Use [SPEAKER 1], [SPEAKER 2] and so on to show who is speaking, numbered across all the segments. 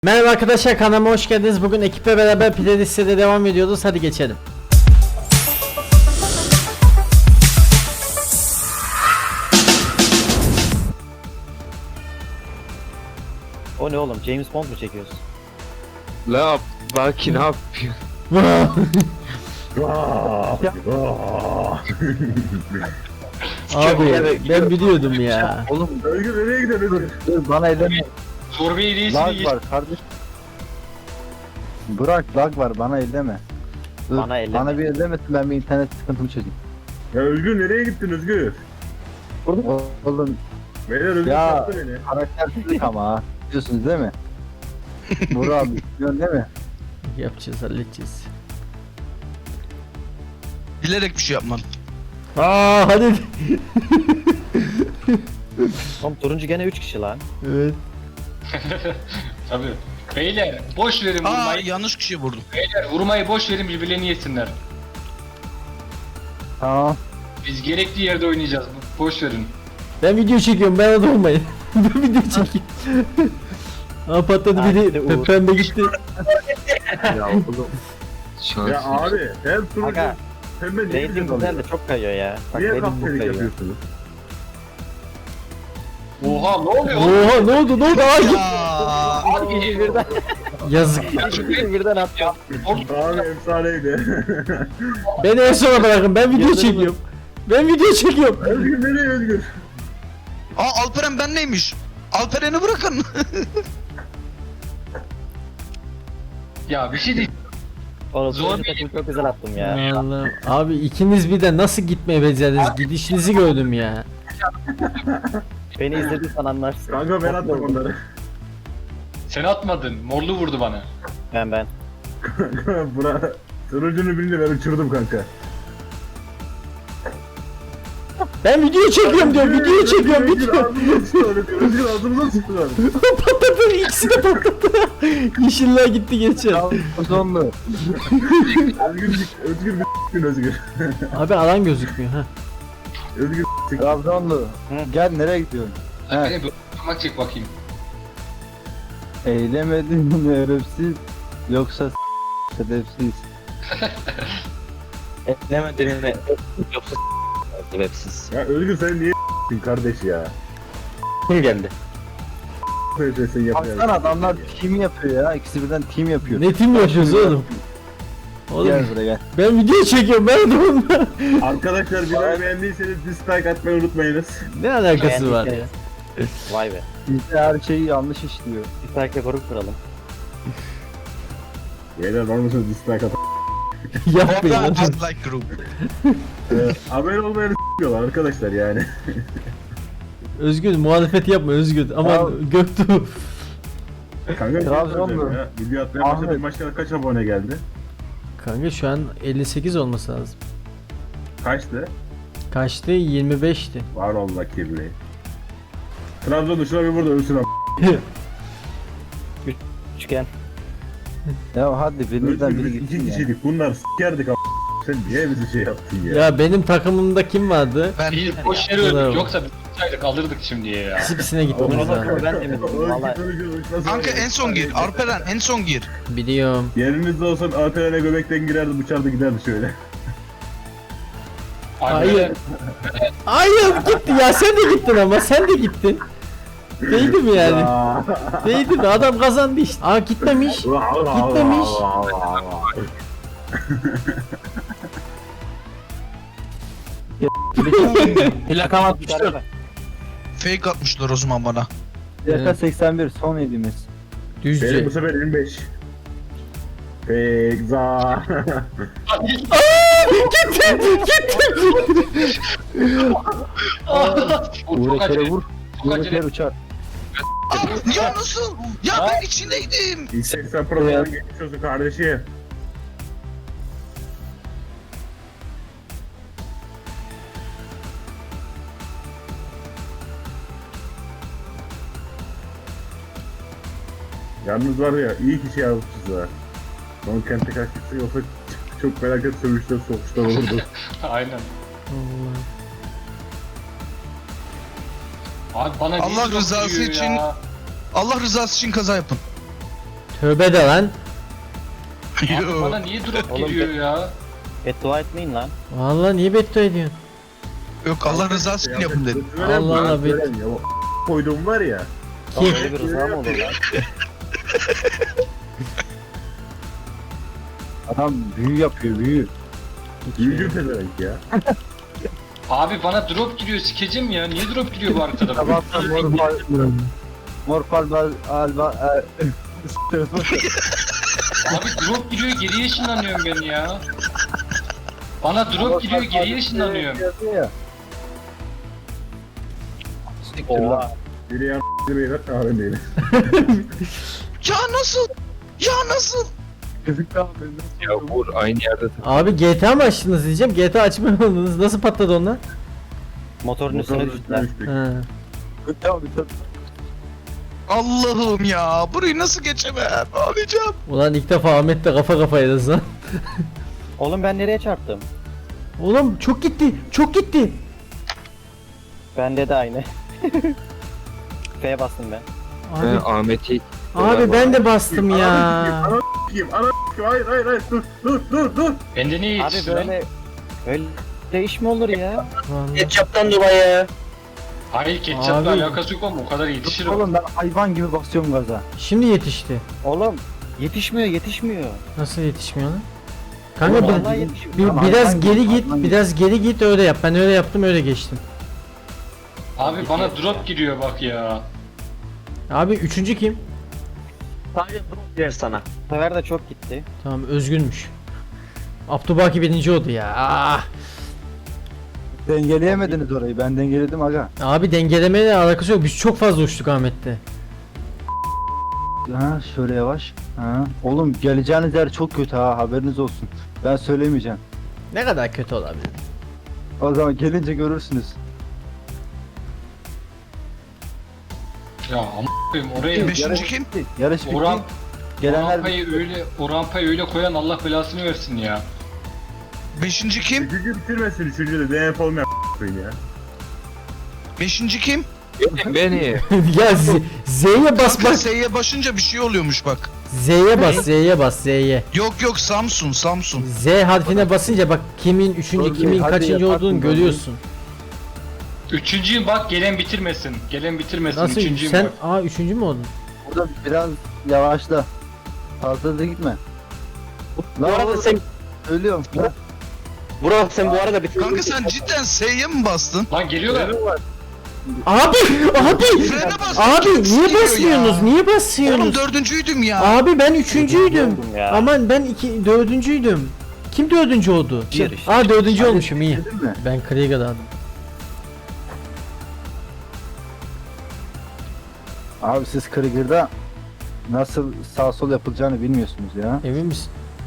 [SPEAKER 1] Merhaba arkadaşlar, kanalıma hoş geldiniz. Bugün ekiple beraber playlist'e devam ediyoruz. Hadi geçelim.
[SPEAKER 2] O ne oğlum? James Bond mu çekiyorsun?
[SPEAKER 3] La Baki ne yapıyor?
[SPEAKER 1] Abi ben biliyordum ya.
[SPEAKER 3] Oğlum
[SPEAKER 4] Özgür nereye gidiyorsun?
[SPEAKER 3] dur bana elleme.
[SPEAKER 5] Zorbayı reisini
[SPEAKER 3] Lag var kardeş. Bırak lag var bana elleme. Dur,
[SPEAKER 2] Bana elleme.
[SPEAKER 3] Bana bir ellemesin ben bir internet sıkıntımı çözeyim.
[SPEAKER 4] Ya Özgür nereye gittin Özgür?
[SPEAKER 3] Oğlum
[SPEAKER 4] Beyler Özgür
[SPEAKER 3] Ya.
[SPEAKER 4] sattı beni.
[SPEAKER 3] karaktersizlik ama ha. Biliyorsunuz değil mi? Burak abi biliyorsun değil mi?
[SPEAKER 1] Yapacağız, halledeceğiz.
[SPEAKER 6] Bilerek bir şey yapmam.
[SPEAKER 1] Hadi.
[SPEAKER 2] Oğlum turuncu gene 3 kişi lan.
[SPEAKER 1] Evet.
[SPEAKER 5] Tabii. Beyler boş verin
[SPEAKER 6] Aa
[SPEAKER 5] vurmayı.
[SPEAKER 6] yanlış kişiye vurdum.
[SPEAKER 5] Beyler vurmayı boş verin birbirlerini yesinler.
[SPEAKER 3] Tamam.
[SPEAKER 5] Biz gerekli yerde oynayacağız. Boş verin.
[SPEAKER 1] Ben video çekiyorum, bana da olmayın. Ben video çekeyim. Patladı biri, pembe gitti.
[SPEAKER 3] Ya oğlum.
[SPEAKER 4] Ya abi hem turuncu
[SPEAKER 2] Aga,
[SPEAKER 4] hem de niye
[SPEAKER 2] Rating
[SPEAKER 4] güzel
[SPEAKER 2] güzel
[SPEAKER 4] oluyor?
[SPEAKER 2] de çok kayıyor ya. Bak
[SPEAKER 4] Niye
[SPEAKER 2] rating bu
[SPEAKER 4] kaptelik
[SPEAKER 2] kayıyor.
[SPEAKER 4] yapıyorsunuz?
[SPEAKER 5] Oha ne oluyor?
[SPEAKER 1] Oha, ne oldu Ay.
[SPEAKER 6] Ya.
[SPEAKER 2] Abi ikisi birden.
[SPEAKER 1] Yazık.
[SPEAKER 2] İkisi birden attı.
[SPEAKER 4] Abi efsaneydi.
[SPEAKER 1] Beni en sona bırakın, ben video çekiyorum. Ben video çekiyorum.
[SPEAKER 4] Özgür nereye Özgür?
[SPEAKER 6] Aa Alperen ben neymiş? Alperen'i bırakın.
[SPEAKER 5] Ya bir şey değil.
[SPEAKER 2] Oğlum
[SPEAKER 5] Zor
[SPEAKER 2] turuncu takım çok güzel attım ya.
[SPEAKER 1] Allah. Abi ikiniz bir de nasıl gitmeye becerdiniz? Gidişinizi gördüm ya.
[SPEAKER 2] Beni izlediysen anlarsın.
[SPEAKER 4] Kanka ben attım onları.
[SPEAKER 5] Sen atmadın. Morlu vurdu bana.
[SPEAKER 2] Ben.
[SPEAKER 4] Kanka bura turuncunu bilince ben uçurdum kanka.
[SPEAKER 1] Ben video çekiyorum diyorum, video çekiyorum,
[SPEAKER 4] Özgür
[SPEAKER 1] video.
[SPEAKER 4] ağzımıza sıçtılar. Özgür ağzımıza sıçtılar.
[SPEAKER 1] Patladı, ikisi de patladı. Yeşiller gitti geçen.
[SPEAKER 3] Uzunlu.
[SPEAKER 4] Özgür bir gün Özgür.
[SPEAKER 1] Abi alan gözükmüyor ha.
[SPEAKER 4] Özgür
[SPEAKER 3] Trabzonlu. Gel nereye gidiyorsun?
[SPEAKER 5] Sen
[SPEAKER 3] Evet.
[SPEAKER 5] beni böyle parmak çek bakayım.
[SPEAKER 3] Eylemedin şerefsiz. Yoksa şerefsiz.
[SPEAKER 2] Eklemedin mi? Yoksa sebepsiz.
[SPEAKER 4] Ya Özgür sen niye kardeş ya?
[SPEAKER 2] Kim geldi?
[SPEAKER 4] Böyle şey yapıyor.
[SPEAKER 3] Baksana adamlar team yapıyor ya. İkisi birden team yapıyor.
[SPEAKER 1] Ne tim yapıyoruz oğlum? Oğlum
[SPEAKER 3] Gel buraya gel.
[SPEAKER 1] ben video çekiyorum, ben de onunla.
[SPEAKER 4] Arkadaşlar videoyu beğendiyseniz dislike atmayı unutmayınız.
[SPEAKER 1] Ne alakası var ya?
[SPEAKER 2] Vay be.
[SPEAKER 3] Bizde her şeyi yanlış işliyor.
[SPEAKER 2] Bir takip grup kuralım.
[SPEAKER 4] Beyler var mısınız dislike at?
[SPEAKER 1] Yapmayın
[SPEAKER 6] Baba
[SPEAKER 1] hadi.
[SPEAKER 6] dislike group.
[SPEAKER 4] Abone olmayanı s***yorlar arkadaşlar yani.
[SPEAKER 1] Özgür muhalefet yapma Özgür. Ama
[SPEAKER 3] Ya-
[SPEAKER 1] Göktuğ.
[SPEAKER 4] Kanka bir şey
[SPEAKER 3] Trabzonlu.
[SPEAKER 4] söyleyeceğim ya. Video atmaya başladık
[SPEAKER 3] Ahmet.
[SPEAKER 4] başka kaç abone geldi?
[SPEAKER 1] Kanka şu an 58 olması lazım.
[SPEAKER 4] Kaçtı?
[SPEAKER 1] Kaçtı? 25'ti.
[SPEAKER 4] Var Allah kirli. Trabzon'da şuna bir burada ölsün am.
[SPEAKER 2] Üçgen.
[SPEAKER 3] Ya hadi birimizden
[SPEAKER 4] Özgür
[SPEAKER 3] biri
[SPEAKER 4] biz iki
[SPEAKER 3] gitsin ya.
[SPEAKER 4] kişiydik bunlar s**kerdik am. Sen niye bizi şey yaptın ya?
[SPEAKER 1] Ya benim takımımda kim vardı?
[SPEAKER 6] Ben
[SPEAKER 5] Biz boş yere
[SPEAKER 1] Bravo.
[SPEAKER 5] öldük. Yoksa biz tutsaydık alırdık şimdiye ya.
[SPEAKER 1] Hepsine gitmemiz
[SPEAKER 2] Onu
[SPEAKER 1] lazım.
[SPEAKER 2] ben demedim. Vallahi.
[SPEAKER 6] kanka en son gir. Alperen en son gir.
[SPEAKER 1] Biliyorum.
[SPEAKER 4] Yerinizde olsam Alperen'e göbekten girerdi bıçardı giderdi şöyle.
[SPEAKER 1] Hayır. Hayır gitti ya, sen de gittin ama sen de gittin. Değdi mi yani?
[SPEAKER 4] Ya.
[SPEAKER 1] Değdi mi? Adam kazandı işte. Aa gitmemiş. Gitmemiş.
[SPEAKER 3] Plakam atmıştır.
[SPEAKER 6] Fake atmışlar o zaman bana.
[SPEAKER 3] Plaka 81 son yediğimiz.
[SPEAKER 4] Benim
[SPEAKER 1] Düzce.
[SPEAKER 4] bu sefer 25. Pekza.
[SPEAKER 5] Çok acele.
[SPEAKER 3] vur.
[SPEAKER 5] Çok acele.
[SPEAKER 3] Uğraşlar uçar.
[SPEAKER 6] Aa, ya nasıl? Ya ben içindeydim.
[SPEAKER 4] İstersen programı geçiyorsun kardeşim. Yalnız var ya iyi ki şey yapmışız ha. Son kente kaçtıksa yoksa çok felaket sövüşler sokuşlar olurdu.
[SPEAKER 5] Aynen.
[SPEAKER 1] Allah.
[SPEAKER 5] Abi bana
[SPEAKER 6] Allah
[SPEAKER 5] niye
[SPEAKER 6] rızası
[SPEAKER 5] vuruyor
[SPEAKER 6] için-
[SPEAKER 5] ya?
[SPEAKER 6] Allah rızası için kaza yapın.
[SPEAKER 1] Tövbe de lan.
[SPEAKER 5] Abi bana niye drop
[SPEAKER 2] Oğlum
[SPEAKER 5] giriyor ya?
[SPEAKER 2] Beddua etmeyin lan.
[SPEAKER 1] Vallahi niye beddua ediyorsun?
[SPEAKER 6] Yok Allah rızası için yapın dedim.
[SPEAKER 1] Allah Allah,
[SPEAKER 4] Ya o koyduğum var ya.
[SPEAKER 1] Kim?
[SPEAKER 2] Böyle bir rıza mı olur lan?
[SPEAKER 3] Adam büyü yapıyor büyü.
[SPEAKER 4] Büyücü pezevenk ya.
[SPEAKER 5] Abi bana drop giriyor sikeceğim ya. Niye drop giriyor bu arkada?
[SPEAKER 3] Sabahtan morfal alba
[SPEAKER 5] Abi drop giriyor geriye ışınlanıyorum ben ya. Bana drop giriyor geriye ışınlanıyorum.
[SPEAKER 2] Oha.
[SPEAKER 4] Biri yan beyler kahve beyler.
[SPEAKER 6] Ya nasıl? Ya nasıl?
[SPEAKER 7] Ya Uğur aynı yerde
[SPEAKER 1] Abi GTA mı açtınız diyeceğim. GTA açmadınız. Nasıl patladı onlar?
[SPEAKER 2] Motorun üstüne düştüler.
[SPEAKER 1] Ha.
[SPEAKER 6] Allah'ım ya. Burayı nasıl geçemem? Ağlayacağım.
[SPEAKER 1] Ulan ilk defa Ahmet'le kafa kafayız lan.
[SPEAKER 2] Oğlum ben nereye çarptım?
[SPEAKER 1] Oğlum çok gitti. Çok gitti.
[SPEAKER 2] Bende de aynı. F'ye bastım ben.
[SPEAKER 1] Abi,
[SPEAKER 7] Ahmet'i
[SPEAKER 1] abi ben de bastım ya.
[SPEAKER 4] Ana s**eyim. Hayır hayır dur.
[SPEAKER 5] Bende niye
[SPEAKER 2] Abi
[SPEAKER 5] yetişti lan?
[SPEAKER 2] böyle iş mi olur ya?
[SPEAKER 1] Vallahi.
[SPEAKER 2] Ketçaptan dolayı.
[SPEAKER 5] Hayır ketçapla
[SPEAKER 1] Abi.
[SPEAKER 5] alakası yok ama o kadar yetişir o.
[SPEAKER 3] Oğlum ben hayvan gibi basıyorum gaza.
[SPEAKER 1] Şimdi yetişti.
[SPEAKER 2] Oğlum yetişmiyor.
[SPEAKER 1] Nasıl yetişmiyor lan? Kanka
[SPEAKER 2] Oğlum,
[SPEAKER 1] bir,
[SPEAKER 2] vallahi yetişmiyor.
[SPEAKER 1] bir- biraz geri git, biraz geri git öyle yap. Ben öyle yaptım, öyle geçtim.
[SPEAKER 5] Abi bana drop giriyor bak ya.
[SPEAKER 1] Abi üçüncü kim?
[SPEAKER 2] Bu sefer de çok gitti.
[SPEAKER 1] Tamam, Özgünmüş. Abdülbaki birinci oldu ya. Ah!
[SPEAKER 3] Dengeleyemediniz orayı. Ben dengeledim aga.
[SPEAKER 1] Abi dengelemeyle alakası yok. Biz çok fazla uçtuk Ahmet'te.
[SPEAKER 3] Ha şöyle yavaş. Ha. Oğlum geleceğiniz yer çok kötü ha, haberiniz olsun. Ben söylemeyeceğim.
[SPEAKER 1] Ne kadar kötü olabilir?
[SPEAKER 3] O zaman gelince görürsünüz.
[SPEAKER 5] Ya a**ayım oraya
[SPEAKER 6] Beşinci kim?
[SPEAKER 3] Yarış bitti.
[SPEAKER 5] Orhan,
[SPEAKER 3] Gelenler
[SPEAKER 5] o rampayı öyle koyan Allah belasını versin ya.
[SPEAKER 6] Beşinci kim?
[SPEAKER 4] Üçüncü bitirmesin. Üçüncü de DNF olmayan koyun ya.
[SPEAKER 6] Beşinci kim?
[SPEAKER 7] beni.
[SPEAKER 1] Ya Z'ye bas
[SPEAKER 6] Kanka
[SPEAKER 1] bak.
[SPEAKER 6] S'ye başınca bir şey oluyormuş bak.
[SPEAKER 1] Z'ye bas, Z'ye bas, Z'ye.
[SPEAKER 6] Yok Samsun.
[SPEAKER 1] Z harfine basınca bak kimin üçüncü,
[SPEAKER 3] Dur,
[SPEAKER 1] kimin
[SPEAKER 3] hadi
[SPEAKER 1] kaçıncı
[SPEAKER 3] yaparsın
[SPEAKER 1] olduğunu
[SPEAKER 3] böyle.
[SPEAKER 1] görüyorsun.
[SPEAKER 5] Üçüncüyüm bak gelen bitirmesin. Gelen bitirmesin.
[SPEAKER 1] Nasıl?
[SPEAKER 5] Üçüncüyüm
[SPEAKER 1] Sen
[SPEAKER 5] bak.
[SPEAKER 1] üçüncü mü oldun?
[SPEAKER 3] burada biraz yavaşla. Fazla da gitme.
[SPEAKER 2] Bu arada sen
[SPEAKER 3] Ölüyorum.
[SPEAKER 2] Burak sen bu arada bir
[SPEAKER 6] Kanka sen cidden S'ye mi bastın?
[SPEAKER 5] Lan geliyorlar.
[SPEAKER 1] Abi!
[SPEAKER 6] Frene bas.
[SPEAKER 1] Abi
[SPEAKER 6] Çok
[SPEAKER 1] niye
[SPEAKER 6] sıkıyor
[SPEAKER 1] basmıyorsunuz?
[SPEAKER 6] ya.
[SPEAKER 1] Niye
[SPEAKER 6] Oğlum
[SPEAKER 1] basıyorsunuz?
[SPEAKER 6] dördüncüydüm ya.
[SPEAKER 1] Abi ben üçüncüydüm.
[SPEAKER 2] oldum ya.
[SPEAKER 1] Aman ben dördüncüydüm. Kim dördüncü oldu?
[SPEAKER 2] Bir işte.
[SPEAKER 1] Aa dördüncü olmuşum iyi.
[SPEAKER 3] Dedin mi?
[SPEAKER 1] Ben Krieger'da aldım.
[SPEAKER 3] Abi siz Krieger'da nasıl sağ sol yapılacağını bilmiyorsunuz ya.
[SPEAKER 1] Emin misin?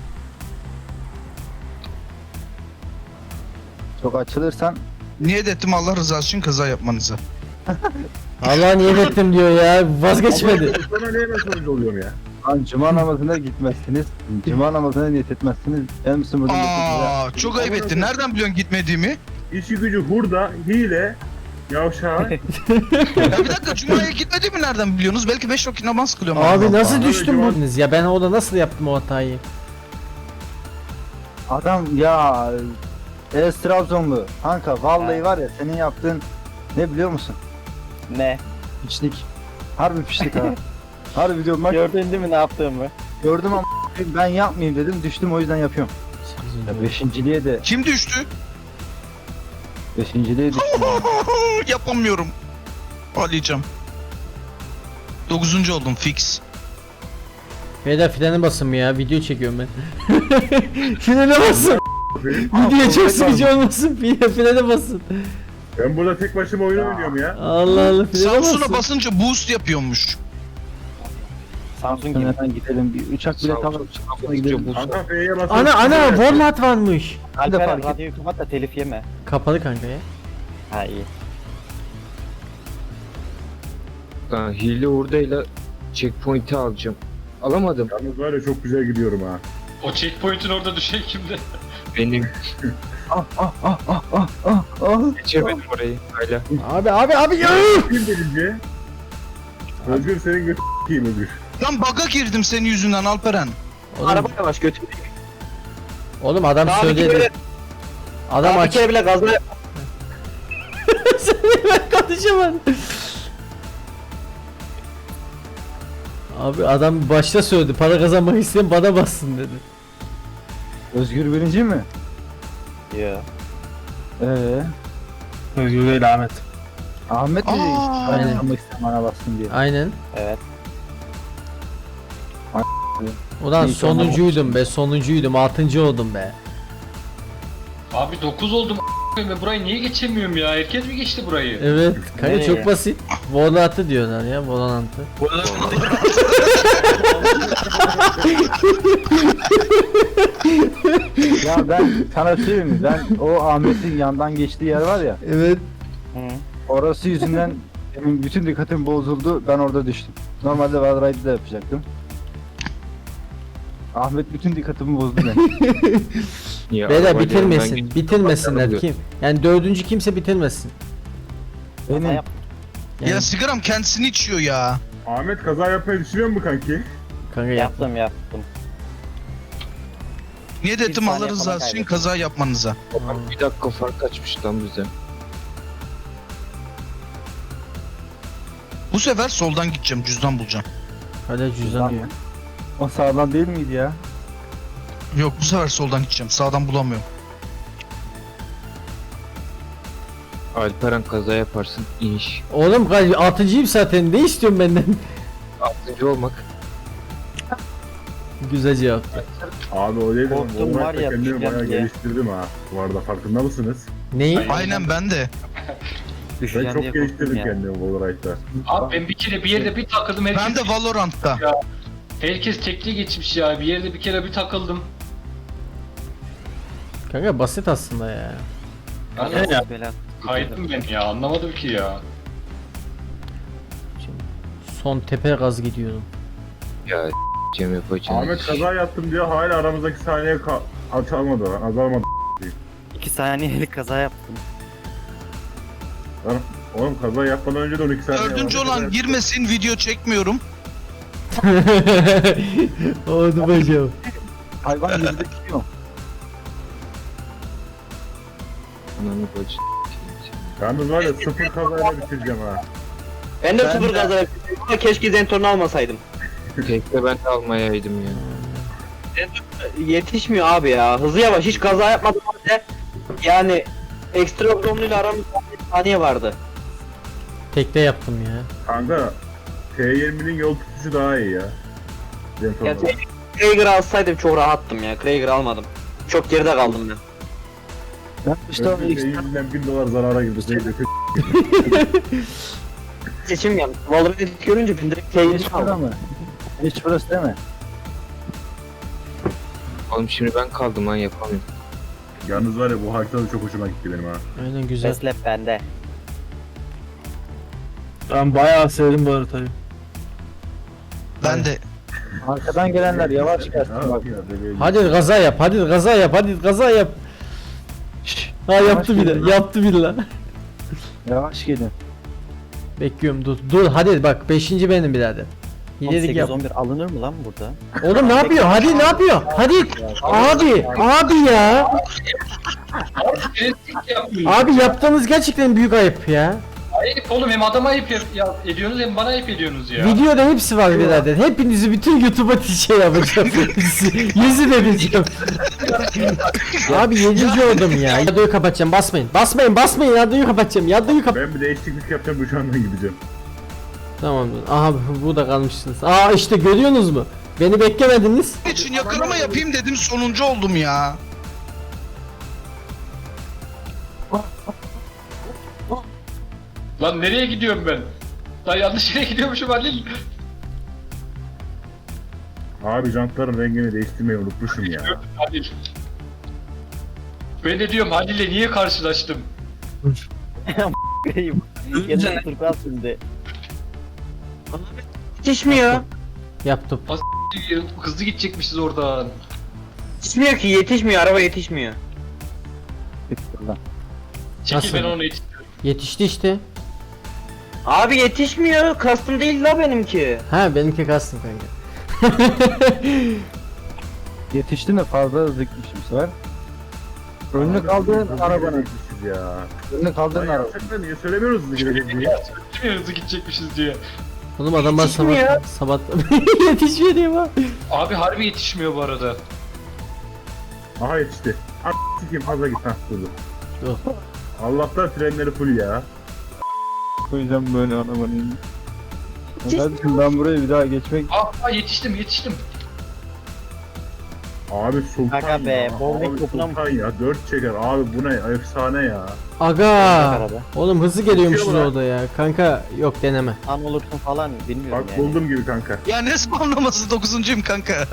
[SPEAKER 3] Çok açılırsan
[SPEAKER 6] Niyet ettim Allah rızası için kaza yapmanızı.
[SPEAKER 1] Allah niyet ettim diyor ya. Vazgeçmedi.
[SPEAKER 4] Sana niye ben sonucu oluyorum ya?
[SPEAKER 3] lan cuma namazına gitmezsiniz. Cuma namazına niyet etmezsiniz. En misin burada?
[SPEAKER 6] Çok ayıp ettin. Nereden biliyorsun gitmediğimi?
[SPEAKER 4] İşi gücü hurda, hile, yavşağı.
[SPEAKER 6] Ya bir dakika Cuma'ya gitmediğimi nereden biliyorsunuz? Belki 5 vakit namaz kılıyorum.
[SPEAKER 1] Abi
[SPEAKER 6] Allah
[SPEAKER 1] nasıl
[SPEAKER 6] Allah.
[SPEAKER 1] düştüm bu? Ya ben orada nasıl yaptım o hatayı?
[SPEAKER 3] Adam ya Trabzonlu. Kanka vallahi var ya senin yaptığın ne biliyor musun?
[SPEAKER 2] ne?
[SPEAKER 3] Piçlik. Harbi piçlik ha. Harbi diyorum bak
[SPEAKER 2] Gördün değil mi ne yaptığımı?
[SPEAKER 3] gördüm ama ben yapmayayım dedim düştüm o yüzden yapıyorum. Ya beşinciliğe de
[SPEAKER 6] Kim düştü?
[SPEAKER 3] beşinciliğe düştüm.
[SPEAKER 6] Yapamıyorum. Ağlayacağım. 9. oldum fix.
[SPEAKER 1] Beyler frene basın ya. Video çekiyorum ben. Frene basın. Video çok sıkıcı olmasın. Frene basın.
[SPEAKER 4] Ben burada tek başıma oyun oynuyorum ya.
[SPEAKER 1] Allah Allah frene
[SPEAKER 6] Samsun'a
[SPEAKER 1] basın.
[SPEAKER 6] basınca boost yapıyormuş.
[SPEAKER 2] Samsung gibi.
[SPEAKER 3] Hemen gidelim bir uçak bile tamam. gidelim.
[SPEAKER 4] Kanka F'ye basın.
[SPEAKER 1] Ana Walmart varmış.
[SPEAKER 2] Alperen
[SPEAKER 3] fark et-
[SPEAKER 2] radyoyu kapat da telif yeme.
[SPEAKER 1] Kapalı kanka ya.
[SPEAKER 2] Ha iyi.
[SPEAKER 7] Ben hile hurdayla checkpoint'i alacağım. Alamadım.
[SPEAKER 4] Yalnız var ya çok güzel gidiyorum ha.
[SPEAKER 5] O checkpoint'in orada düşen kimdi?
[SPEAKER 7] Benim
[SPEAKER 3] Ah,
[SPEAKER 7] geçemedim orayı hala.
[SPEAKER 1] Abi ya.
[SPEAKER 4] Kim birinci? Özgür senin götü s**eyim Özgür.
[SPEAKER 6] Ben bug'a girdim senin yüzünden Alperen.
[SPEAKER 1] Oğlum,
[SPEAKER 8] Araba yavaş götür.
[SPEAKER 1] oğlum adam
[SPEAKER 8] Daha bir
[SPEAKER 1] söyledi.
[SPEAKER 8] kere,
[SPEAKER 1] Adam
[SPEAKER 8] daha bir
[SPEAKER 1] aç.
[SPEAKER 8] kere bile gazla
[SPEAKER 1] Ben konuşamadım. Abi adam başta söyledi. Para kazanmak isteyen bana bassın dedi.
[SPEAKER 3] Özgür birinci mi?
[SPEAKER 2] Yo.
[SPEAKER 3] Özgür değil Ahmet. Ahmet mi?
[SPEAKER 6] Aa.
[SPEAKER 3] Aynen. Kazanmak isteyen bana bassın diye.
[SPEAKER 1] Aynen.
[SPEAKER 2] Evet.
[SPEAKER 1] Ulan
[SPEAKER 3] İyi,
[SPEAKER 1] sonuncuydum be, sonuncuydum. 6. oldum be.
[SPEAKER 5] Abi 9 oldum ve burayı niye geçemiyorum ya? Herkes mi geçti burayı?
[SPEAKER 1] Evet. Kanka
[SPEAKER 2] Nereye?
[SPEAKER 1] çok basit. Volatı diyorlar ya, volantı.
[SPEAKER 3] Ya ben sana söyleyeyim mi? Ben o Ahmet'in yandan geçtiği yer var ya.
[SPEAKER 1] Evet.
[SPEAKER 2] Hı.
[SPEAKER 3] Orası yüzünden benim bütün dikkatim bozuldu. Ben orada düştüm. Normalde Valorant'da yapacaktım. Ahmet bütün dikkatimi bozdu benim.
[SPEAKER 7] Ya,
[SPEAKER 1] Beyler
[SPEAKER 7] arabayla
[SPEAKER 1] bitirmesin.
[SPEAKER 7] yanından
[SPEAKER 1] Bitirmesinler
[SPEAKER 7] geçiyor.
[SPEAKER 1] kim? Yani 4. kimse bitirmesin.
[SPEAKER 3] Benim
[SPEAKER 2] Yap.
[SPEAKER 1] Yani,
[SPEAKER 6] Ya sigaram kendisini içiyor ya.
[SPEAKER 4] Ahmet kaza yapmayı düşünüyor mu kanki?
[SPEAKER 1] kanka yap.
[SPEAKER 2] Yaptım.
[SPEAKER 6] Niye
[SPEAKER 2] Bir
[SPEAKER 6] dedim
[SPEAKER 2] saniye
[SPEAKER 6] Allah rızası
[SPEAKER 2] falan
[SPEAKER 6] için
[SPEAKER 2] kaybettim.
[SPEAKER 6] kaza yapmanıza.
[SPEAKER 7] Bir dakika fark açmış lan bize.
[SPEAKER 6] Bu sefer soldan gideceğim, cüzdan bulacağım.
[SPEAKER 1] Hadi cüzdan diyor.
[SPEAKER 3] o sağlam değil miydi ya?
[SPEAKER 6] Yok bu sefer soldan gideceğim, sağdan bulamıyorum.
[SPEAKER 7] Alperen kaza yaparsın iniş.
[SPEAKER 1] Oğlum 6.'yım zaten. Ne istiyorsun benden?
[SPEAKER 7] 6. olmak.
[SPEAKER 1] Güzel cevap.
[SPEAKER 4] Abi o değil de
[SPEAKER 2] Korktum var ya,
[SPEAKER 4] kendimi bayağı
[SPEAKER 2] düşeceğim diye.
[SPEAKER 4] geliştirdim ha. Bu arada farkında mısınız?
[SPEAKER 1] Neyi?
[SPEAKER 6] Aynen ben de.
[SPEAKER 4] Ben
[SPEAKER 2] Düşeceğim
[SPEAKER 4] çok
[SPEAKER 2] diye
[SPEAKER 4] geliştirdim
[SPEAKER 2] korktum ya.
[SPEAKER 4] kendimi Valorant'ta.
[SPEAKER 5] Abi ben bir kere bir yerde bir takıldım.
[SPEAKER 6] Ben de Valorant'ta.
[SPEAKER 5] Herkes tekli geçmiş ya. Bir yerde bir kere bir takıldım.
[SPEAKER 1] Kanka basit aslında ya.
[SPEAKER 5] Ben
[SPEAKER 2] Ya. Bela.
[SPEAKER 5] kaydım ben ya. Anlamadım ki ya.
[SPEAKER 1] Son tepe gaz gidiyorum.
[SPEAKER 7] Ya Cem yapacağım.
[SPEAKER 4] Ahmet kaza yaptım diyor hala aramızdaki saniye açılmadı lan azalmadı.
[SPEAKER 2] 2 saniyelik kaza yaptım.
[SPEAKER 4] Lan oğlum kaza yapmadan önce de 12 saniye
[SPEAKER 6] Dördüncü
[SPEAKER 4] vardı.
[SPEAKER 6] olan girmesin, video çekmiyorum.
[SPEAKER 1] Oldu bacım.
[SPEAKER 3] Hayvan gibi de gidiyor.
[SPEAKER 7] Ananı bacı.
[SPEAKER 4] Yalnız var ya 0 kazayla bitireceğim ha.
[SPEAKER 8] Ben de sıfır gazla yapıyorum ama keşke Zentorn'u almasaydım.
[SPEAKER 7] Tekte ben de almayaydım ya.
[SPEAKER 8] Yetişmiyor abi ya. Hızı yavaş. Hiç kaza yapmadım halde. Yani ekstra ile aramızda bir saniye vardı.
[SPEAKER 1] Tekte yaptım ya.
[SPEAKER 4] Kanka T20'nin yol tutuşu daha iyi ya. Zentorno.
[SPEAKER 8] Ya Krager alsaydım çok rahattım ya. Krager almadım. Çok geride kaldım ben.
[SPEAKER 3] Ben işte o ilk
[SPEAKER 4] T100'den $1000 zarara girdi.
[SPEAKER 8] Seçim yani. Valorant görünce ben direkt Krager'i
[SPEAKER 3] hiç burada
[SPEAKER 8] aldım.
[SPEAKER 3] mı? Hiç burası değil mi?
[SPEAKER 7] Oğlum şimdi ben kaldım lan yapamıyorum.
[SPEAKER 4] Yalnız var ya bu haritada çok hoşuma gitti benim ha.
[SPEAKER 1] Aynen güzel.
[SPEAKER 2] Beslep bende.
[SPEAKER 9] Ben bayağı sevdim bu haritayı.
[SPEAKER 6] Ben de.
[SPEAKER 3] Arkadan gelenler yavaş gelsin bak.
[SPEAKER 1] Hadi gaza yap, hadi gaza yap, hadi gaza yap. Ha yaptı bir de, yaptı bir la.
[SPEAKER 3] Yavaş gelin.
[SPEAKER 1] Bekliyorum dur, dur hadi bak 5. benim birader. İleri yap.
[SPEAKER 2] 8-11 alınır mı lan burada?
[SPEAKER 1] Oğlum ne yapıyor? Hadi ne yapıyor? Hadi. Abi ya. Abi yaptığınız gerçekten büyük ayıp ya.
[SPEAKER 5] Ayıp oğlum, hem adama ayıp ediyorsunuz hem bana ayıp ediyorsunuz ya.
[SPEAKER 1] Videoda hepsi var birader. Hepinizi bütün YouTube'a şey yapacağım. Yüzü vereceğim. Abi 7. oldum ya. Yadıyı kapatacağım. Basmayın. Basmayın. Yadıyı kapatacağım.
[SPEAKER 4] Ben bir değişiklik yapacağım bu şu andan gideceğim.
[SPEAKER 1] Tamam. Aha bu da kalmışsınız. Aa işte görüyorsunuz mu? Beni beklemediniz.
[SPEAKER 6] için yakalama yapayım dedim, sonuncu oldum ya.
[SPEAKER 5] Lan nereye gidiyorum ben? Lan yanlış yere gidiyormuşum Halil.
[SPEAKER 4] Abi jantların rengini değiştirmeyi unutmuşum ya.
[SPEAKER 5] Halil. Ben de diyorum Halil'le niye karşılaştım?
[SPEAKER 2] Yine turkuaz şimdi.
[SPEAKER 8] Yetişmiyor.
[SPEAKER 1] Yaptım.
[SPEAKER 5] Hızlı gidecekmişiz oradan.
[SPEAKER 8] Yetişmiyor ki, yetişmiyor. Araba yetişmiyor.
[SPEAKER 5] Çekil,
[SPEAKER 1] Nasıl?
[SPEAKER 5] ben onu yetiştiriyorum.
[SPEAKER 1] Yetişti işte.
[SPEAKER 8] Abi yetişmiyor. Kastım değil la benimki.
[SPEAKER 1] Ha benimki kastım kanka.
[SPEAKER 3] Yetiştin de fazla hızlı gitmişim bu sefer. Önünü kaldığın arabanın.
[SPEAKER 4] Yetişiz ya.
[SPEAKER 3] Önünü kaldığın
[SPEAKER 4] Lan
[SPEAKER 3] araba.
[SPEAKER 4] yapsak da niye söylemiyoruz hızlı gideceğiz diye.
[SPEAKER 5] Değil mi hızlı gidecekmişiz diye.
[SPEAKER 1] Oğlum adam bana sabah yetişmiyor diyeyim ha.
[SPEAKER 5] Abi harbi yetişmiyor bu arada.
[SPEAKER 4] Aha yetişti. Sikeyim fazla git ha durdu.
[SPEAKER 1] Yok.
[SPEAKER 4] Allah'tan frenleri full ya.
[SPEAKER 3] Koyacağım böyle arabanın. Kardeşim ben buraya bir daha geçmek...
[SPEAKER 5] Aa yetiştim.
[SPEAKER 4] Abi sultan
[SPEAKER 2] Aga be,
[SPEAKER 4] ya.
[SPEAKER 2] bowling
[SPEAKER 4] Abi
[SPEAKER 2] topuna mı-
[SPEAKER 4] sultan ya. 4 çeker. Abi bu ne? Efsane ya.
[SPEAKER 1] Aga.
[SPEAKER 2] Araba.
[SPEAKER 1] Oğlum hızlı geliyormuşuz
[SPEAKER 4] Uçuyor lan.
[SPEAKER 1] orada ya. Kanka yok deneme.
[SPEAKER 2] An olursun falan bilmiyorum
[SPEAKER 4] Bak
[SPEAKER 2] yani.
[SPEAKER 4] buldum gibi kanka.
[SPEAKER 6] Ya ne spamlaması 9'uncuyum kanka.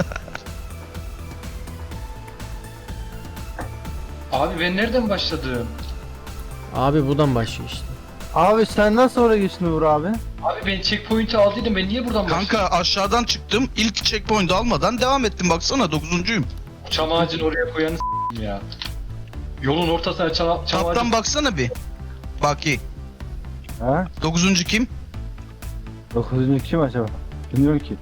[SPEAKER 5] Abi ben nereden başladım?
[SPEAKER 1] Abi buradan başlıyor işte.
[SPEAKER 3] Abi sen nasıl oraya geçtin Uğur abi?
[SPEAKER 5] Abi ben checkpoint'i aldıydım. Ben niye buradan başladım?
[SPEAKER 6] Kanka aşağıdan çıktım. İlk checkpoint almadan devam ettim baksana 9'uncuyum.
[SPEAKER 5] Çam ağacını oraya koyanı s**eyim ya. Yolun ortasına çam ağacı...
[SPEAKER 6] Taptan baksana bir. Baki.
[SPEAKER 3] Ha?
[SPEAKER 6] 9'uncu kim?
[SPEAKER 3] 9. kim acaba? Bilmiyorum ki.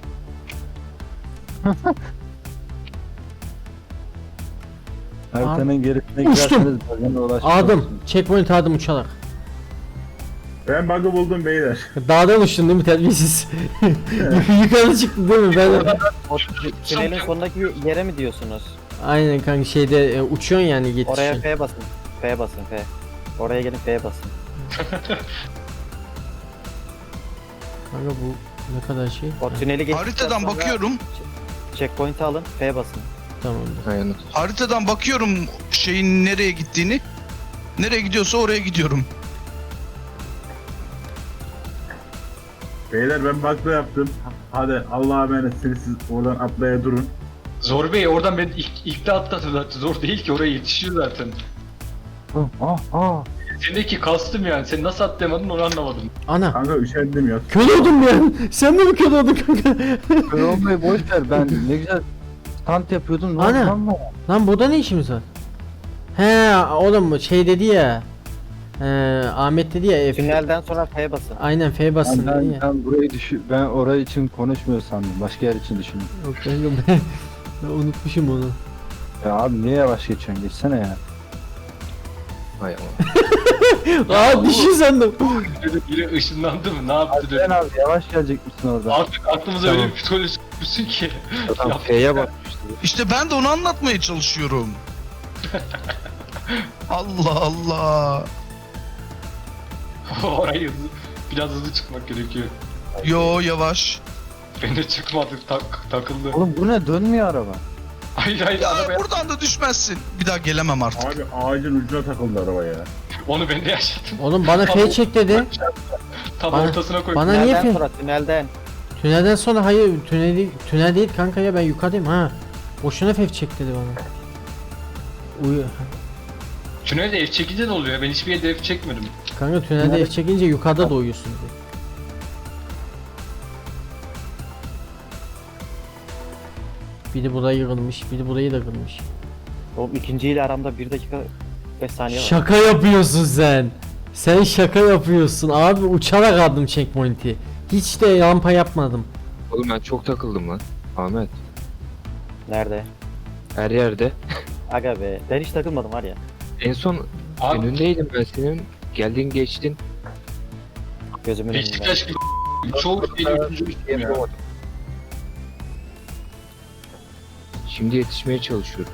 [SPEAKER 3] Haritanın gerisine girerseniz bölgene ulaşmış
[SPEAKER 1] Adım.
[SPEAKER 3] olursunuz.
[SPEAKER 1] Checkpoint adım uçarak.
[SPEAKER 4] Ben bug'ı buldum beyler.
[SPEAKER 1] Dağdan uçtun değil mi terbiyesiz? Yukarı çıktı değil mi? Ben
[SPEAKER 2] O tünelin sonundaki yere mi diyorsunuz?
[SPEAKER 1] aynen kanka şeyde uçuyorsun yani
[SPEAKER 2] Oraya
[SPEAKER 1] yetişiyorsun.
[SPEAKER 2] F basın. F basın F. Oraya gelin F basın.
[SPEAKER 1] Kanka bu ne kadar şey?
[SPEAKER 2] O tüneli geçtikten
[SPEAKER 6] Haritadan
[SPEAKER 2] sonra
[SPEAKER 6] bakıyorum.
[SPEAKER 2] checkpoint'i alın F basın.
[SPEAKER 1] Tamamdır.
[SPEAKER 7] Aynen.
[SPEAKER 6] Haritadan bakıyorum şeyin nereye gittiğini. Nereye gidiyorsa oraya gidiyorum.
[SPEAKER 4] Beyler ben bug'da yaptım. Hadi Allah'a emanetsiniz siz oradan atlaya durun.
[SPEAKER 5] Zor Bey oradan ben ilk de atladım zaten. Zor değil ki oraya yetişiyor zaten. Sendeki kastım yani. Sen nasıl atlayamadın onu anlamadım.
[SPEAKER 1] Ana.
[SPEAKER 4] Kanka üşendim ya.
[SPEAKER 1] Kör oldum ben. Sen de mi kör oldun kanka?
[SPEAKER 3] Kör olmayı boş ver, ben ne güzel stand yapıyordum.
[SPEAKER 1] Ana.
[SPEAKER 3] Lan lan.
[SPEAKER 1] Lan burada ne işimiz var? He oğlum şey dedi ya. Ahmet dedi ya F.
[SPEAKER 2] Tünelden sonra F basın.
[SPEAKER 1] Aynen F basın dedi ya.
[SPEAKER 3] Ben burayı ben orayı için konuşmuyor sandım. Başka yer için düşündüm.
[SPEAKER 1] Yok kanka ben unutmuşum onu.
[SPEAKER 3] Ya abi niye yavaş geçiyorsun? Geçsene ya.
[SPEAKER 7] Hay Allah.
[SPEAKER 1] Aa düşün sandım.
[SPEAKER 5] Biri ışınlandı mı? Ne yaptı
[SPEAKER 3] Sen
[SPEAKER 5] dedim.
[SPEAKER 3] abi yavaş gelecek misin orada?
[SPEAKER 5] Artık aklımıza öyle bir psikoloji tutmuşsun ki.
[SPEAKER 7] Adam F'ye bakmıştı.
[SPEAKER 6] İşte ben de onu anlatmaya çalışıyorum. Allah Allah.
[SPEAKER 5] Orayı biraz hızlı çıkmak gerekiyor.
[SPEAKER 6] Yo yavaş.
[SPEAKER 5] Ben de çıkmadım takıldı.
[SPEAKER 3] Oğlum bu ne? Dönmüyor araba.
[SPEAKER 5] Hayır
[SPEAKER 6] Ya
[SPEAKER 5] arabaya.
[SPEAKER 6] buradan da düşmezsin. Bir daha gelemem artık.
[SPEAKER 4] Abi ağacın ucuna takıldı araba ya.
[SPEAKER 5] Onu ben de yaşadım.
[SPEAKER 1] Oğlum bana F çek dedi.
[SPEAKER 5] Tam
[SPEAKER 1] Bana-
[SPEAKER 5] ortasına koydum.
[SPEAKER 1] bana niye
[SPEAKER 2] Tünelden
[SPEAKER 1] F?
[SPEAKER 2] sonra tünelden.
[SPEAKER 1] Tünelden sonra hayır tünel değil kanka ya ben yukarıdayım ha. Boşuna F çek dedi bana.
[SPEAKER 5] Tünelde ev çekince ne oluyor? Ben hiçbir yerde ev çekmedim.
[SPEAKER 1] Kanka tünelde F çekince yukarıda doğuyorsun dedi. Biri burayı yıkılmış, biri burayı da kırmış.
[SPEAKER 2] Oğlum ikinciyle aramda 1 dakika 5 saniye var.
[SPEAKER 1] Şaka yapıyorsun sen. Sen şaka yapıyorsun. Abi uçarak aldım checkpoint'i. Hiç de rampa yapmadım.
[SPEAKER 7] Oğlum ben çok takıldım lan. Ahmet.
[SPEAKER 2] Nerede?
[SPEAKER 7] Her yerde.
[SPEAKER 2] Aga be. Ben hiç takılmadım var ya.
[SPEAKER 7] En son
[SPEAKER 5] Abi
[SPEAKER 7] önündeydim ben senin. Geldin geçtin.
[SPEAKER 2] Gözümün önünde.
[SPEAKER 5] Beşiktaş gibi çoğu şeyi üçüncü düştüm ya.
[SPEAKER 7] Şimdi yetişmeye çalışıyorum.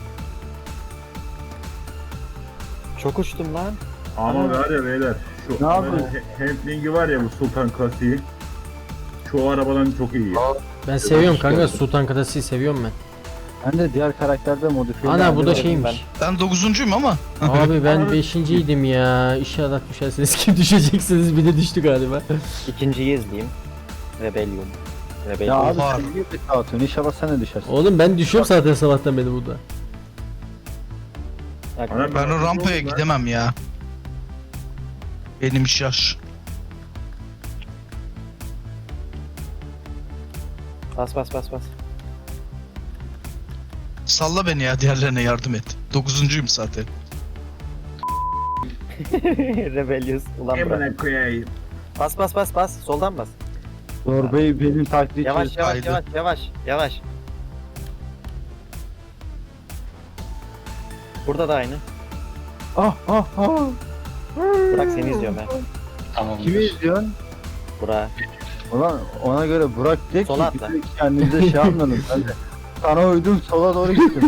[SPEAKER 2] Çok uçtum lan.
[SPEAKER 4] Ama var ya beyler. Şu
[SPEAKER 3] Ne yapıyorsun?
[SPEAKER 4] handling'i var ya bu Sultan klasiği. Şu arabadan çok iyi ya.
[SPEAKER 1] Ben seviyorum kanka Sultan Kadasi'yi seviyorum ben.
[SPEAKER 3] Ben de diğer karakterde modifiye
[SPEAKER 1] Ana bu da
[SPEAKER 2] dedim
[SPEAKER 1] şeymiş.
[SPEAKER 6] Ben 9'uncuyum ama.
[SPEAKER 1] Abi ben 5.'ydim ya. İnşallah düşersiniz. Kim düşeceksiniz? Bir de düştü galiba.
[SPEAKER 2] İkinciyi izleyeyim. Rebellion.
[SPEAKER 3] Ya
[SPEAKER 2] Rebellion.
[SPEAKER 3] abi
[SPEAKER 6] Var.
[SPEAKER 3] sen niye bir atıyorsun? İnşallah sen de düşersin.
[SPEAKER 1] Oğlum ben düşüyorum zaten sabahtan beri burada.
[SPEAKER 2] Aga,
[SPEAKER 6] Ben o rampaya gidemem ya. Benim iş yaş.
[SPEAKER 2] Bas bas bas bas.
[SPEAKER 6] Salla beni ya, diğerlerine yardım et. 9'uncuyum zaten.
[SPEAKER 2] Rebellious. Ulan bırak.
[SPEAKER 4] Emine koyayım.
[SPEAKER 2] Bas bas bas bas. Soldan bas.
[SPEAKER 3] Zorbayı benim taklit
[SPEAKER 8] Yavaş yavaş
[SPEAKER 6] Haydi.
[SPEAKER 8] yavaş yavaş yavaş. Burada da aynı.
[SPEAKER 3] Ah ah ah.
[SPEAKER 8] Burak seni izliyorum ben.
[SPEAKER 5] Tamam.
[SPEAKER 3] Kimi izliyorsun?
[SPEAKER 8] Burak.
[SPEAKER 3] Ulan ona göre Burak de ki
[SPEAKER 8] Sola
[SPEAKER 3] bir
[SPEAKER 8] atla.
[SPEAKER 3] de kendinize şey anladın. Ben de sana uydum sola doğru gittim.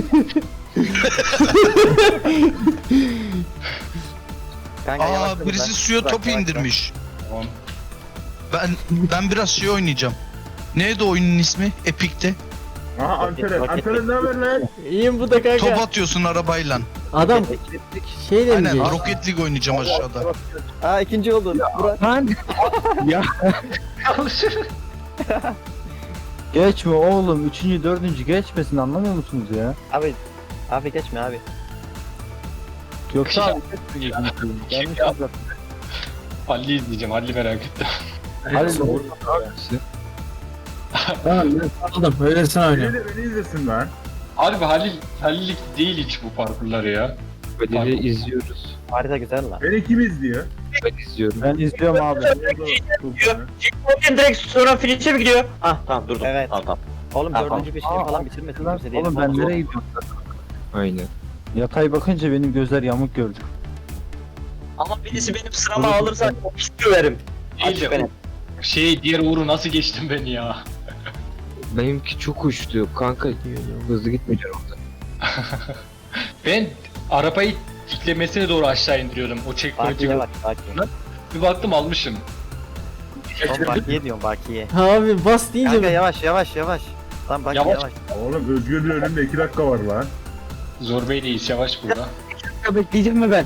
[SPEAKER 8] Kanka yavaşla
[SPEAKER 6] Birisi
[SPEAKER 8] Burak.
[SPEAKER 6] suya
[SPEAKER 8] Burak,
[SPEAKER 6] topu
[SPEAKER 8] yavaşla.
[SPEAKER 6] indirmiş.
[SPEAKER 5] Tamam.
[SPEAKER 6] Ben biraz şey oynayacağım. Neydi oyunun ismi? Epic'te.
[SPEAKER 4] Aha Anteren.
[SPEAKER 8] Roket-
[SPEAKER 4] Anteren ne haber lan?
[SPEAKER 1] İyiyim bu da kanka.
[SPEAKER 6] Top atıyorsun arabayla.
[SPEAKER 1] Adam şeyle mi
[SPEAKER 6] Aynen
[SPEAKER 1] geçti?
[SPEAKER 6] Rocket League oynayacağım aşağıda.
[SPEAKER 8] Aa ikinci oldun. Burak.
[SPEAKER 3] Lan geçme oğlum. Üçüncü, dördüncü geçmesin anlamıyor musunuz ya?
[SPEAKER 8] Abi geçme abi.
[SPEAKER 3] Yoksa abi geçmeyecek Yanlış anladın.
[SPEAKER 5] Halil'i izleyeceğim. Halil'i merak ettim.
[SPEAKER 3] Hadi
[SPEAKER 9] Tamam ben anladım. Öylesine
[SPEAKER 4] Beni
[SPEAKER 9] oynuyorum.
[SPEAKER 4] de beni izlesin lan.
[SPEAKER 5] Harbi Halil'lik değil hiç bu parkurları ya.
[SPEAKER 7] Halil'i izliyoruz.
[SPEAKER 8] Harita güzel lan.
[SPEAKER 4] Beni kim izliyor?
[SPEAKER 7] Ben izliyorum.
[SPEAKER 3] Ben izliyorum abi.
[SPEAKER 8] Direkt sonra finish'e mi gidiyor? Ah tamam durdum. Evet.
[SPEAKER 5] Tamam.
[SPEAKER 8] Oğlum
[SPEAKER 3] Tamam.
[SPEAKER 8] dördüncü beşinci falan bitirmesin
[SPEAKER 3] Lan,
[SPEAKER 8] kimse değil.
[SPEAKER 3] oğlum ben nereye gidiyorum?
[SPEAKER 7] Aynen.
[SPEAKER 3] Yatay bakınca benim gözler yamuk gördü.
[SPEAKER 8] Ama birisi benim sırama alırsa istiyorum.
[SPEAKER 5] Değil de diğer Uğur'u nasıl geçtin beni ya?
[SPEAKER 7] Benimki çok uçtu. Kanka hızlı gitmeyeceğim orada.
[SPEAKER 5] Ben arabayı diklemesine doğru aşağı indiriyordum. O checkpoint'i
[SPEAKER 8] Bakiye bak bakiye.
[SPEAKER 5] bir baktım almışım.
[SPEAKER 8] Oğlum bakiye diyorum bakiye.
[SPEAKER 1] Abi bas deyince
[SPEAKER 8] Kanka yavaş yavaş yavaş. Lan bakiye
[SPEAKER 5] Yavaş.
[SPEAKER 8] yavaş.
[SPEAKER 4] Oğlum Özgür'ün önünde 2 dakika var lan.
[SPEAKER 5] Zor Bey değil, yavaş burada.
[SPEAKER 3] Bekleyeceğim mi ben?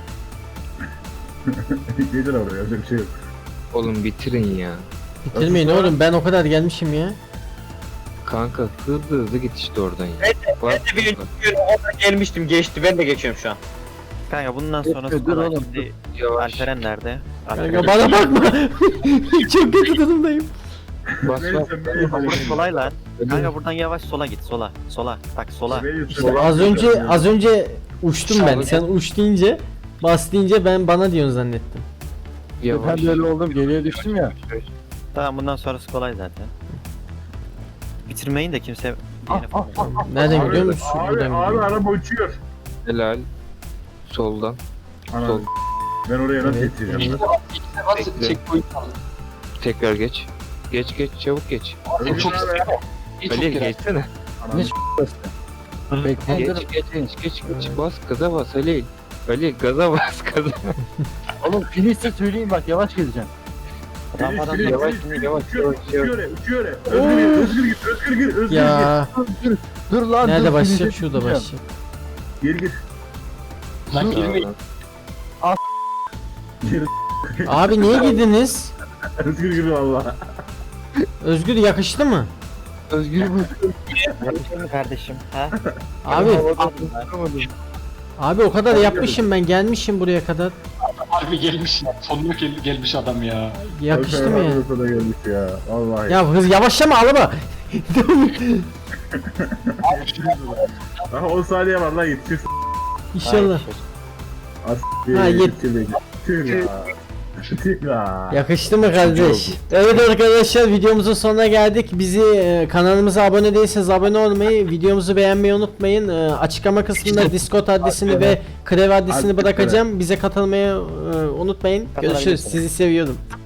[SPEAKER 4] Gelir oraya öyle bir şey yok.
[SPEAKER 7] Oğlum bitirin ya.
[SPEAKER 1] bitirmeyin oğlum ben o kadar gelmişim ya.
[SPEAKER 7] Kanka hızlı git işte oradan ya.
[SPEAKER 8] Ben de bir orada gelmiştim geçti ben de geçiyorum şu an. Kanka bundan sonrası
[SPEAKER 3] Dur
[SPEAKER 8] kolay.
[SPEAKER 3] oğlum,
[SPEAKER 8] Şimdi
[SPEAKER 7] Yavaş.
[SPEAKER 8] Alperen nerede?
[SPEAKER 1] Kanka bana bakma. Çok kötü durumdayım.
[SPEAKER 7] Bas
[SPEAKER 4] Beni
[SPEAKER 7] bas.
[SPEAKER 4] sen beni
[SPEAKER 8] Burası kolay lan. Kanka buradan yavaş sola git sola. Sola. Bak sola.
[SPEAKER 1] Az önce uçtum ben. Sen uç deyince bas deyince bana diyorsun zannettim.
[SPEAKER 7] Yavaş.
[SPEAKER 3] Ben de öyle oldum geriye düştüm ya.
[SPEAKER 8] Tamam bundan sonrası kolay zaten. Bitirmeyin de kimse diğerine falan.
[SPEAKER 1] Nereden
[SPEAKER 4] Abi,
[SPEAKER 1] gidiyor musun?
[SPEAKER 4] abi,
[SPEAKER 1] Buradan
[SPEAKER 4] abi
[SPEAKER 1] gidiyor.
[SPEAKER 4] araba uçuyor.
[SPEAKER 7] Helal. Soldan.
[SPEAKER 4] Ana,
[SPEAKER 7] Sol.
[SPEAKER 4] ben oraya nasıl
[SPEAKER 1] Evet,
[SPEAKER 4] yetişeceğim?
[SPEAKER 7] Bekle.
[SPEAKER 5] Checkpoint aldım.
[SPEAKER 7] Tekrar geç. Geç çabuk geç.
[SPEAKER 4] Özgür
[SPEAKER 5] çok
[SPEAKER 4] ne haber?
[SPEAKER 7] Ali geçsene.
[SPEAKER 4] Anam,
[SPEAKER 7] Geç. Bas gaza bas Ali. Ali gaza bas gaza.
[SPEAKER 3] Oğlum finişte söyleyeyim bak yavaş gideceğim.
[SPEAKER 8] Rampadan
[SPEAKER 4] Filiz,
[SPEAKER 7] yavaş,
[SPEAKER 4] Filiz,
[SPEAKER 7] yavaş,
[SPEAKER 4] uçuyor,
[SPEAKER 7] yavaş,
[SPEAKER 4] uçuyor, uçuyor. Özgür git, Özgür git.
[SPEAKER 1] Ya
[SPEAKER 3] Dur lan
[SPEAKER 1] nerede
[SPEAKER 3] dur,
[SPEAKER 1] başlayacak?
[SPEAKER 3] finişe
[SPEAKER 1] Şurada
[SPEAKER 3] gideceğim.
[SPEAKER 1] başlayacak.
[SPEAKER 4] Gir gir.
[SPEAKER 5] Lan girmeyin.
[SPEAKER 4] Gir.
[SPEAKER 1] Abi niye girdiniz?
[SPEAKER 4] Özgür gir valla.
[SPEAKER 1] Özgür yakıştı mı?
[SPEAKER 3] Özgür bu.
[SPEAKER 8] Yakışır mı kardeşim? Ha?
[SPEAKER 1] Abi o kadar yapmışım ben gelmişim buraya kadar.
[SPEAKER 5] Harbi gelmiş. Sonuna gelmiş adam ya.
[SPEAKER 1] Yakıştı mı ya?
[SPEAKER 4] Da gelmiş ya. Vallahi.
[SPEAKER 1] Ya hız yavaşlama araba.
[SPEAKER 4] Daha 10 saniye var lan yetişir.
[SPEAKER 1] İnşallah.
[SPEAKER 4] As.
[SPEAKER 1] Ha,
[SPEAKER 4] Tüh ya. Tüh ya.
[SPEAKER 1] Yakıştı mı kardeş? Evet arkadaşlar videomuzun sonuna geldik. Bizi kanalımıza abone değilseniz abone olmayı, videomuzu beğenmeyi unutmayın. Açıklama kısmında Discord adresini ve Krev adresini bırakacağım. Bize katılmayı unutmayın. Görüşürüz. Sizi seviyorum.